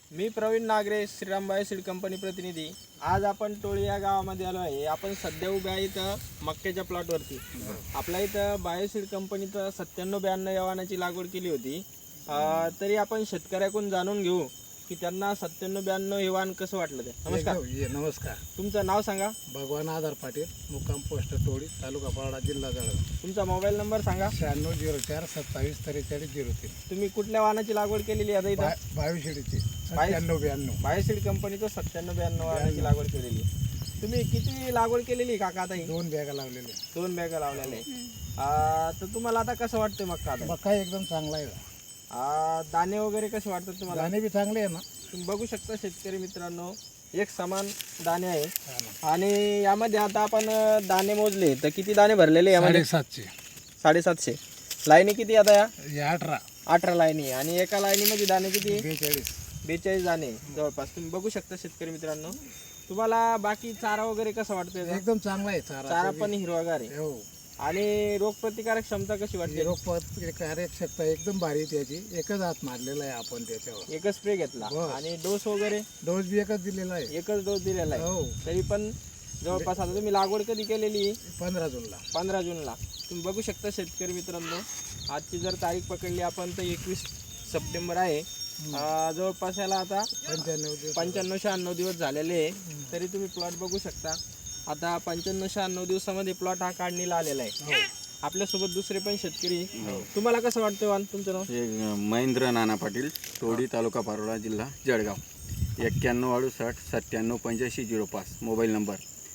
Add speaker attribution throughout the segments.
Speaker 1: मी Praveen Nagare, Shriram Bioseed company प्रतिनिधी. आज आपण टोळी या गावामध्ये आलो आहे. आपण सध्या उभे आहे इथं मक्याच्या प्लॉटवरती. आपल्या इथं बायोसीड कंपनीचं 9792 या वाहनाची लागवड केली होती. तरी आपण शेतकऱ्याकडून जाणून घेऊ की त्यांना 9792 हे वाहन कसं वाटलं ते. नमस्कार.
Speaker 2: नमस्कार.
Speaker 1: तुमचं नाव सांगा.
Speaker 2: भगवान आधार पाटील, मुक्काम पोस्ट टोळी, तालुका पारडा, जिल्हा जळगाव.
Speaker 1: तुमचा मोबाईल नंबर सांगा.
Speaker 2: 9604 27 43 03.
Speaker 1: तुम्ही कुठल्या वाहनाची लागवड केलेली आहे आता इथं?
Speaker 2: बायोशीडची 9792.
Speaker 1: बायोसीड कंपनीचं 9792 वाहनाची लागवड केलेली आहे. तुम्ही किती लागवड केलेली काका आता ही?
Speaker 2: 2 बॅगा लावलेले.
Speaker 1: 2 बॅगा लावलेल्या आहे. तर तुम्हाला आता कसं वाटतं मक्का आता?
Speaker 2: मका एकदम चांगला आहे.
Speaker 1: दाणे वगैरे कसे वाटतात तुम्हाला?
Speaker 2: दाणे बी चांगले आहे ना.
Speaker 1: तुम्ही बघू शकता शेतकरी मित्रांनो, एक समान दाणे आहे.
Speaker 2: हा ना.
Speaker 1: आणि यामध्ये आता आपण दाणे मोजले तर किती दाणे भरलेले यामध्ये?
Speaker 2: 750.
Speaker 1: 750. लाईनी किती आता या?
Speaker 2: हे 18.
Speaker 1: 18 लाईनी. आणि एका लाईनीमध्ये दाणे किती?
Speaker 2: 42.
Speaker 1: 42 दाणे जवळपास. तुम्ही बघू शकता शेतकरी मित्रांनो. तुम्हाला बाकी चारा वगैरे कसं वाटतं याचा?
Speaker 2: एकदम चांगला आहे
Speaker 1: चारा पण हिरवागार आहे.
Speaker 2: हो.
Speaker 1: आणि रोगप्रतिकारक क्षमता कशी वाटते?
Speaker 2: कार्यक्षमता एकदम भारी आहे त्याची. एकच हात मारलेला आहे आपण त्याच्यावर.
Speaker 1: एकच स्प्रे घेतला.
Speaker 2: बस.
Speaker 1: आणि डोस वगैरे?
Speaker 2: डोस बी एकच दिलेला आहे.
Speaker 1: एकच डोस दिलेला आहे.
Speaker 2: हो.
Speaker 1: तरी पण जवळपास आता तुम्ही लागवड कधी केलेली?
Speaker 2: 15 जूनला.
Speaker 1: 15 जूनला. तुम्ही बघू शकता शेतकरी मित्रांनो, आजची जर तारीख पकडली आपण तर 21 सप्टेंबर आहे. जवळपास याला आता 95-96 दिवस झालेले आहे. तरी तुम्ही प्लॉट बघू शकता. आता 95-96 दिवसामध्ये प्लॉट हा काढणीला आलेला आहे. आपल्यासोबत दुसरे पण शेतकरी. तुम्हाला कसं वाटतं वान? तुमचं नाव?
Speaker 3: महेंद्र नाना पाटील, टोळी, तालुका पारोळा, जिल्हा जळगाव. 91 68 97 85 05 mobile number.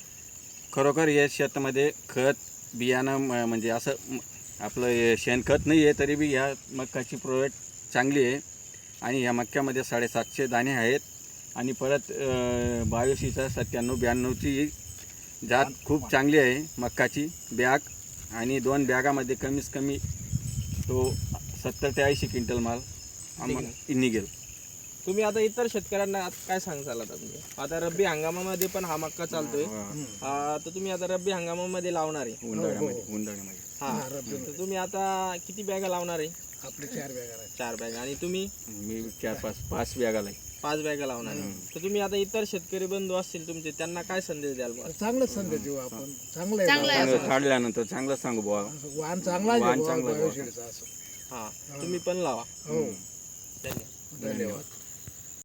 Speaker 3: खरोखर या शेतामध्ये खत बियाणं म्हणजे असं आपलं शेणखत नाही आहे, तरी बी ह्या मक्काची प्रोडक्ट चांगली आहे. आणि ह्या मक्क्यामध्ये 750 दाणे आहेत. आणि परत बायोसीचा 9792ची जात खूप चांगली आहे मक्काची बॅग. आणि 2 बॅगामध्ये कमीत कमी तो 70 ते 80 क्विंटल माल निघेल.
Speaker 1: तुम्ही आता इतर शेतकऱ्यांना काय सांगाल? आता तुम्ही आता रब्बी हंगामामध्ये पण हा मक्का चालतोय. तर तुम्ही आता रब्बी हंगामामध्ये लावणार आहे?
Speaker 3: उन्हाळ्यामध्ये.
Speaker 1: हा. तर तुम्ही आता किती बॅगा लावणार आहे?
Speaker 2: आपले 4 बॅगा आहेत.
Speaker 1: 4 बॅगा. आणि तुम्ही?
Speaker 3: मी 4-5 बॅगाला आहे.
Speaker 1: 5 बॅगा लावणार आहे. तर तुम्ही आता इतर शेतकरी बंधू असतील तुमचे, त्यांना काय संदेश द्याल?
Speaker 2: चांगलंच संदेश देऊ आपण. चांगलं आहे.
Speaker 3: चांगलं काढल्यानंतर चांगलं सांगू बुवा.
Speaker 2: वाहन चांगला आहे.
Speaker 3: वाहन चांगलं आहे.
Speaker 2: बायोशीडचं असं.
Speaker 1: हा. तुम्ही पण लावा.
Speaker 2: हो.
Speaker 1: धन्यवाद.
Speaker 2: धन्यवाद.